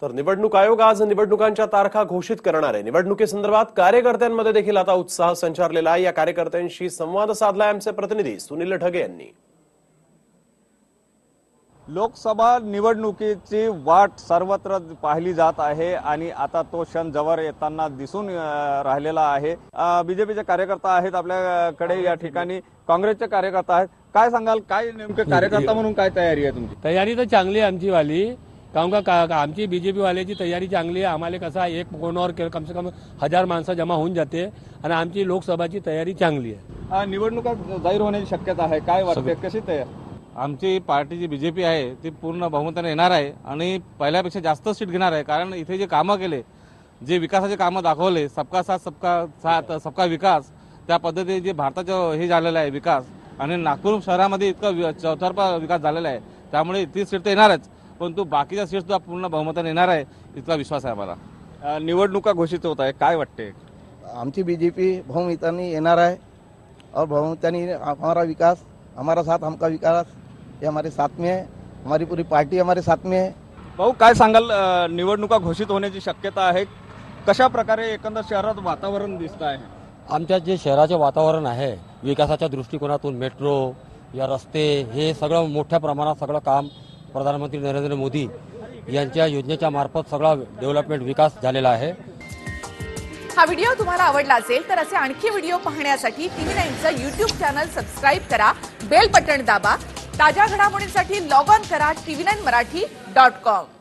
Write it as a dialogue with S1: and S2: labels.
S1: तर निवडणूक आयोग आज निवडणुकांच्या तारखा घोषित करणार आहे। निवडणुकीसंदर्भात कार्यकर्त्यांमध्ये देखील आता उत्साह संचारलेला आहे। या कार्यकर्त्यांशी संवाद साधलाय आमचे प्रतिनिधी सुनील ढगे यांनी।
S2: लोकसभा निवडणुकीची वाट सर्वत्र पाहिली जात आहे आणि आता तो क्षण जवळ येताना दिसून राहिलेला आहे। बीजेपीचे कार्यकर्ता आहेत आपल्याकडे, या ठिकाणी काँग्रेसचे कार्यकर्ता आहेत। काय सांगाल, काय नेमके कार्यकर्ता म्हणून काय तयारी आहे तुमची?
S3: तयारी तर चांगली आहे आमची वाली, कारण का आमची बीजेपी वाल्याची तयारी चांगली आहे। आम्हाला कसं एक कोणावर कम से कम 1000 माणसं जमा होऊन जाते आणि आमची लोकसभाची तयारी चांगली आहे।
S2: निवडणुका जाहीर होण्याची शक्यता आहे, काय वाटते, कशी तयारी?
S4: आमची पार्टी जी बीजेपी आहे ती पूर्ण बहुमताने येणार आहे आणि पहिल्यापेक्षा जास्त सीट घेणार आहे। कारण इथे जे कामं केले, जे विकासाचे कामं दाखवले, सबका साथ सबका साथ सबका विकास, त्या पद्धतीने जे भारताचं हे झालेलं आहे विकास, आणि नागपूर शहरामध्ये इतका चौतर्फा विकास झालेला आहे, त्यामुळे ती सीट तर येणारच, परंतु बाकीच्या सीट सुद्धा पूर्ण बहुमताने येणार आहे, इतका विश्वास आहे आम्हाला।
S2: निवडणुका घोषित होत आहे, काय वाटते?
S5: आमची बीजेपी बहुमताने येणार आहे और बहुमताने हमारा विकास, हमारा साथ हमका विकास, ये हमारे साथ में है, हमारी पूरी पार्टी हमारे साथ में है।
S2: भाऊ, काय सांगाल, निवडणुका घोषित होण्याची शक्यता आहे, कशा प्रकारे एकंदर शहरात वातावरण दिसत आहे?
S6: आमच्या जे शहराचे वातावरण आहे विकासाच्या दृष्टिकोनातून मेट्रो या रस्ते हे सगळं मोठ्या प्रमाणात सगळं काम प्रधानमंत्री नरेंद्र मोदी यांच्या योजनेच्या मार्फत सगळा डेव्हलपमेंट विकास झालेला आहे।
S7: हा व्हिडिओ तुम्हाला आवडला असेल तर असे आणखी व्हिडिओ पाहण्यासाठी TV9चं YouTube चॅनल सबस्क्राइब करा, बेल बटन दाबा। ताज्या घडामोडींसाठी लॉग ऑन करा tv9marathi.com।